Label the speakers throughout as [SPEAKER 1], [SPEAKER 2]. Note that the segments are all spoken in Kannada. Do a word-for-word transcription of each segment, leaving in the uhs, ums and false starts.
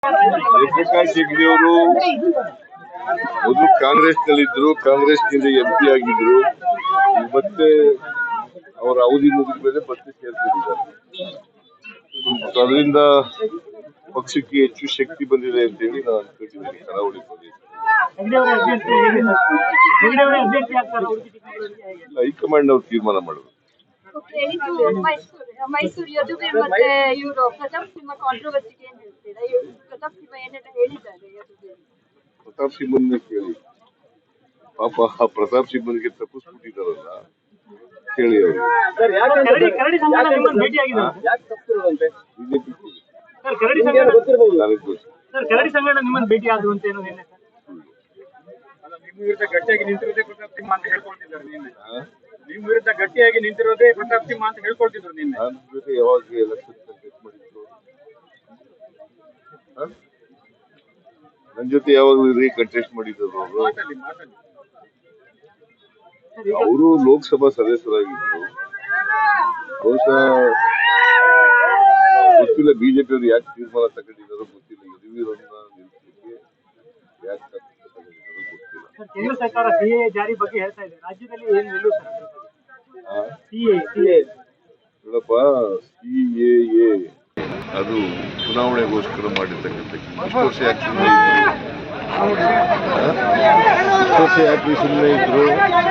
[SPEAKER 1] ಜಯಪ್ರಕಾಶ್ ಹೆಗ್ಡೆ ಅವರು ಮೊದಲು ಕಾಂಗ್ರೆಸ್ ನಲ್ಲಿದ್ರು, ಕಾಂಗ್ರೆಸ್ ನಿಂದ ಎಂ ಪಿ ಆಗಿದ್ರು. ಮತ್ತೆ ಅವರ ಅವಧಿ ಮುಗಿದ ಮೇಲೆ ಮತ್ತೆ ಸೇರ್ಕೊಂಡಿದ್ದಾರೆ. ಅದರಿಂದ ಪಕ್ಷಕ್ಕೆ ಹೆಚ್ಚು ಶಕ್ತಿ ಬಂದಿದೆ ಅಂತ ಹೇಳಿ ನಾನು ಅನ್ಕೊಂಡಿದ್ದೀನಿ. ಕರಾವಳಿ ಪ್ರದೇಶ ಹೈಕಮಾಂಡ್ ಅವ್ರು ತೀರ್ಮಾನ ಮಾಡೋದು.
[SPEAKER 2] ಮೈಸೂರು ಯದುವೀರ್ ಮತ್ತೆ ಇವರು ಪ್ರತಾಪ್ ಸಿಂಹ ಕಾಂಟ್ರವರ್ಸಿಗೆ ಏನ್ ಹೇಳ್ತೀರಾ? ಪ್ರತಾಪ್ ಸಿಂಹ ಏನೆಲ್ಲ ಹೇಳಿದ್ದಾರೆ ಯದುವೀರ್?
[SPEAKER 1] ಪ್ರತಾಪ್ ಸಿಂಹನ್ನೇ ಕೇಳಿ. ಪಾಪ ಆ ಪ್ರತಾಪ್ ಸಿಂಹನಿಗೆ ತಪ್ಪಿಸ್ಬಿಟ್ಟಿದಾರಲ್ಲ, ಕೇಳಿ ಅವರು.
[SPEAKER 3] ಗಟ್ಟಿಯಾಗಿ ನಿಂತಿರೋದೇ ಪ್ರತಾಪ್ ಸಿಂಹ ಅಂತ ಹೇಳ್ಕೊಳ್ತಿದ್ದಾರೆ ನಿನ್ನೆ. ನಿಮ್ಮ ವಿರುದ್ಧ ಗಟ್ಟಿಯಾಗಿ ನಿಂತಿರೋದೇ ಪ್ರತಾಪ್ ಸಿಂಹ ಅಂತ ಹೇಳ್ಕೊಳ್ತಿದ್ರು ನಿನ್ನೆ.
[SPEAKER 1] ನನ್ನ ಜೊತೆ ಯಾವಾಗ ಎಲೆಕ್ಷನ್ ಕಂಟೆಸ್ಟ್ ಮಾಡಿದ್ರು? ನನ್ನ ಜೊತೆ ಯಾವಾಗ ಕಂಟೆಸ್ಟ್ ಮಾಡಿದ್ರು ಅವರು? ಅವರು ಲೋಕಸಭಾ ಸದಸ್ಯರಾಗಿದ್ರು. ಬಹುಶಃ ಗೊತ್ತಿಲ್ಲ ಬಿಜೆಪಿ ಅವರು ಯಾಕೆ ತೀರ್ಮಾನ ತಗೊಂಡಿದ್ದಾರೋ ಗೊತ್ತಿಲ್ಲ. ಯದುವೀರನ್ನ ನಿಲ್ಲಿಸಲಿಕ್ಕೆ ಯಾಕೆ ತಗೊಂಡಿದ್ದಾರೋ ಗೊತ್ತಿಲ್ಲ.
[SPEAKER 3] ಕೇಂದ್ರ ಸರ್ಕಾರ ಸಿಎ ಜಾರಿ ಬಗ್ಗೆ ಹೇಳ್ತಾ ಇದೆ, ರಾಜ್ಯದಲ್ಲಿ ಏನು ನಿಲ್ಲುತ್ತೆ?
[SPEAKER 1] ನೋಡಪ್ಪ, ಸಿಎಎ ಅದು ಚುನಾವಣೆಗೋಸ್ಕರ ಮಾಡಿರ್ತಕ್ಕಂಥ. ಇಷ್ಟು ವರ್ಷ ಯಾಕೆ ಸುಮ್ಮನೆ ಇದ್ರು? ಇಷ್ಟು ವರ್ಷ ಯಾಕೆ ಸುಮ್ಮನೆ ಇದ್ರು?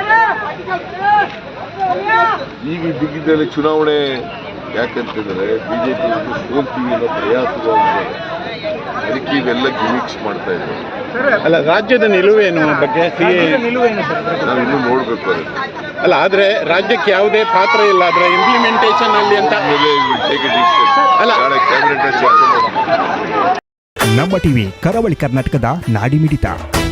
[SPEAKER 1] ಈಗ ಬಿಗಿದ್ದಲ್ಲಿ ಚುನಾವಣೆ ಯಾಕಂತಂದ್ರೆ ಬಿಜೆಪಿ ಸೋಲ್ತೀವಿ ಅನ್ನೋ ಪ್ರಯಾಸವಾಗಿದೆ. ಅದಕ್ಕೆ ಇವೆಲ್ಲ ಗಿಮಿಕ್ಸ್ ಮಾಡ್ತಾ ಇದ್ದಾರೆ.
[SPEAKER 4] ಅಲ್ಲ, ರಾಜ್ಯದ ನಿಲುವೇನು ಬಗ್ಗೆ ನಿಲುವೇನು
[SPEAKER 1] ನಾವು ಇನ್ನೂ ನೋಡ್ಬೇಕು ಅದನ್ನು.
[SPEAKER 4] ಅಲ್ಲ, ಆದ್ರೆ ರಾಜ್ಯಕ್ಕೆ ಯಾವುದೇ ಪಾತ್ರ ಇಲ್ಲ ಅದರ ಇಂಪ್ಲಿಮೆಂಟೇಷನ್ ಅಲ್ಲಿ ಅಂತ
[SPEAKER 1] ಅಲ್ಲ, ಕ್ಯಾಬಿನೆಟ್ ಚರ್ಚೆ ಮಾಡಿ.
[SPEAKER 5] ನಮ್ಮ ಟಿವಿ ಕರಾವಳಿ ಕರ್ನಾಟಕದ ನಾಡಿಮಿಡಿತ.